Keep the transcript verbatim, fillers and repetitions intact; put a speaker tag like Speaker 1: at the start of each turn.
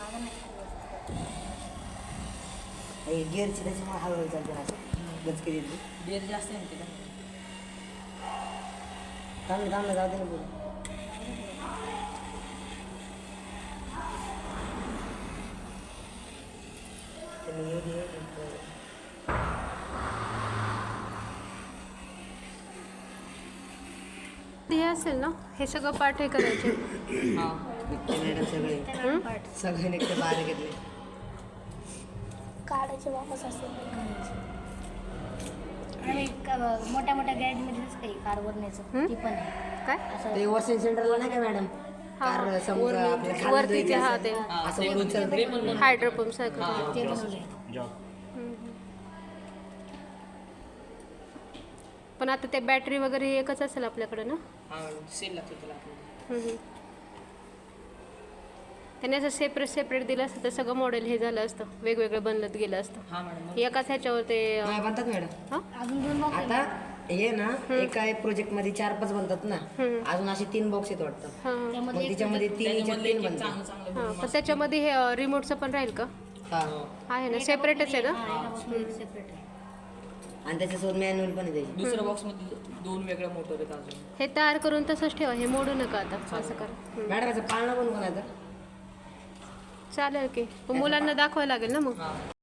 Speaker 1: गिअरची त्याच्यामुळे हळूहळू चालते ना असं गचके देते.
Speaker 2: गिअर जास्त आहे ना
Speaker 1: थांबलं थांबलं जाऊ दे ना पुढे. त्याला येऊ दे एक-
Speaker 3: हे असेल ना, हे सगळं पाठ हे करायचे.
Speaker 2: हां
Speaker 1: निघते मॅडम सगळे
Speaker 3: हं?
Speaker 1: सगळे निघते बाहेर घेतले.
Speaker 4: काढायचे वापस असेल आणि क- मोठ्या मोठ्या गॅरेजमध्येच काही कार वरण्याचं
Speaker 3: हं?
Speaker 4: ती पण आहे
Speaker 3: काय
Speaker 4: असं
Speaker 1: ते वॉशिंग सेंटरला नाही का मॅडम
Speaker 3: हा, हा.
Speaker 1: कार समजा आपल्या खाली
Speaker 3: वरती जे हा ते
Speaker 1: असं वरून चालतं.
Speaker 3: हायड्रोपंप सारखं.
Speaker 4: ते बनवले
Speaker 3: पण आता ते बॅटरी वगैरे हे एकच असेल आपल्याकडे ना.
Speaker 2: हां सेल लागतो त्याला आपल्याला.
Speaker 3: हम्म, हम्म. त्याने असं सेपरेट सेपरेट दिलं असतं तर सगळं मॉडेल हे झालं असतं, वेगवेगळं बनत गेलं असतं.
Speaker 2: हां मॅडम
Speaker 3: एकाच ह्याच्यावर ते अं,
Speaker 1: नाही बनतात मॅडम.
Speaker 3: हा?
Speaker 4: अजून दोन बॉक्स
Speaker 1: आता हे ना एका प्रोजेक्ट मध्ये चार पाच बनतात ना.
Speaker 3: हम्म.
Speaker 1: अजून असे तीन बॉक्स आहेत वाटतं.
Speaker 3: हा, हा.
Speaker 1: मग
Speaker 4: त्यामध्ये
Speaker 1: तिच्यामध्ये तीन
Speaker 2: त्याच्यामधलं
Speaker 1: याच्यात
Speaker 2: एक
Speaker 1: तीन
Speaker 2: एक
Speaker 1: बनतात.
Speaker 2: चांगलं चांगलं
Speaker 3: हा,
Speaker 2: बनवून
Speaker 3: पण त्याच्यामध्ये हे रिमोटचं पण राहील का?
Speaker 1: हा
Speaker 3: आहे ना, सेपरेटच आहे ना.
Speaker 4: सेपरेट आहे
Speaker 1: आणि त्याच्यासोबत मॅन्युअल पण आहे त्याची.
Speaker 2: दुसऱ्या बॉक्समध्ये दोन वेगळ्या मोटर आहेत अजून.
Speaker 3: हे तयार करून तसंच ठेवा, हे मोडू नका आता. असं करा. हम्म.
Speaker 1: मॅडम याचं पाळणं पण कोणाचं?
Speaker 3: चालेल की, पण मुलांना दाखवायला लागेल ना मग.
Speaker 2: हां